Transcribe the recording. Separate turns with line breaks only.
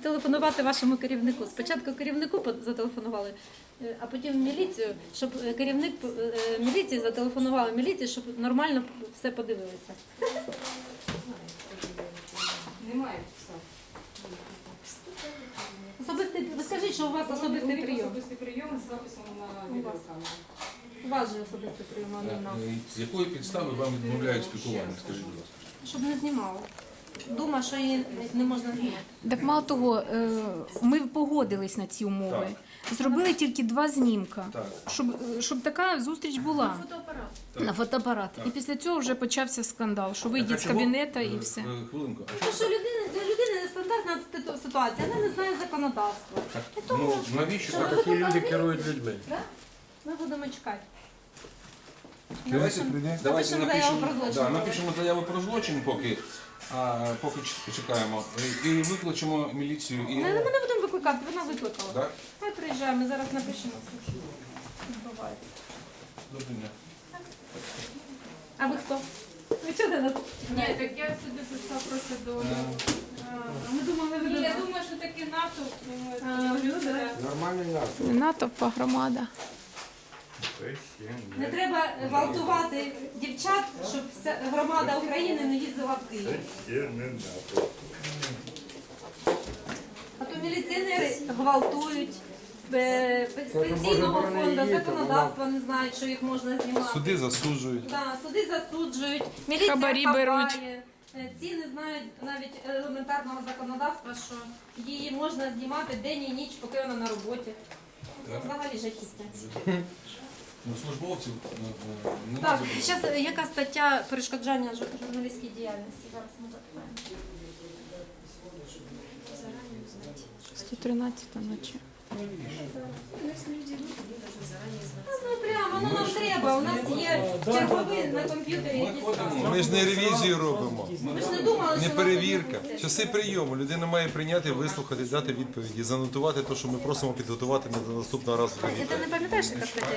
телефонувати вашому керівнику. Спочатку керівнику зателефонували, а потім в міліцію, щоб керівник міліції зателефонував міліції, щоб нормально все подивилися.
Немає підстав.
Особистий, ви скажіть, що у вас особистий прийом.
Особистий прийом з записом на відеокамеру.
У вас же особистий прийом, а не в нас.
З якої підстави вам відмовляють спілкування? Скажіть, будь ласка.
Щоб не знімали. Думаю, що її не можна знімати.
Так мало того, ми погодились на ці умови. Зробили тільки 2 знімка,
Так.
щоб така зустріч була
Фотоапарат.
на фотоапарат. І після цього вже почався скандал, що вийдіть з
чого?
кабінету і все.
Хвилинку. А
Тому що для людини нестандартна ситуація, вона не знає законодавства. І тому,
навіщо
що
так?
ви
Такі люди
фотографуєте,
керують людьми.
да? Ми будемо чекати.
Давайте
Напишемо заяву про злочин.
Да, напишемо заяву про злочин, поки чекаємо. І викличемо міліцію. І...
Ми не будемо викликати, вона викликала.
Так?
Хай приїжджає, ми зараз напишемо. Відбувається.
Доброго дня.
А ви хто? Ви чого нас?
Ні, так я сюди прийшла просто до...
Ми думали, ви
Ні,
до
я
нас.
думаю, що такий натовп.
Люди.
Нормальний настрій.
Натовпа громада.
Не треба гвалтувати дівчат, щоб вся громада України не їздила в Київ. А то міліціонери гвалтують, з пенсійного фонду, законодавства не знають, що їх можна знімати.
Суди засуджують.
Да, суди засуджують, міліція
Хабарі
хапає.
беруть.
Ці не знають навіть елементарного законодавства, що її можна знімати день і ніч, поки вона на роботі. Це взагалі жахіття.
Ну, службовців
Так, зараз яка стаття перешкоджання журналістській діяльності? Зараз ми запитаємо.
113 наче.
Ну прямо, ну нам треба, у нас є чергові на комп'ютері, які ставлять.
Ми ж не ревізію робимо,
Ми ж не думали, що
не
нас
перевірка.
тут
Часи прийому. Людина має прийняти, вислухати, дати відповіді, занотувати те, що ми просимо підготувати на наступного разу.
Ти не пам'ятаєш, яка стаття?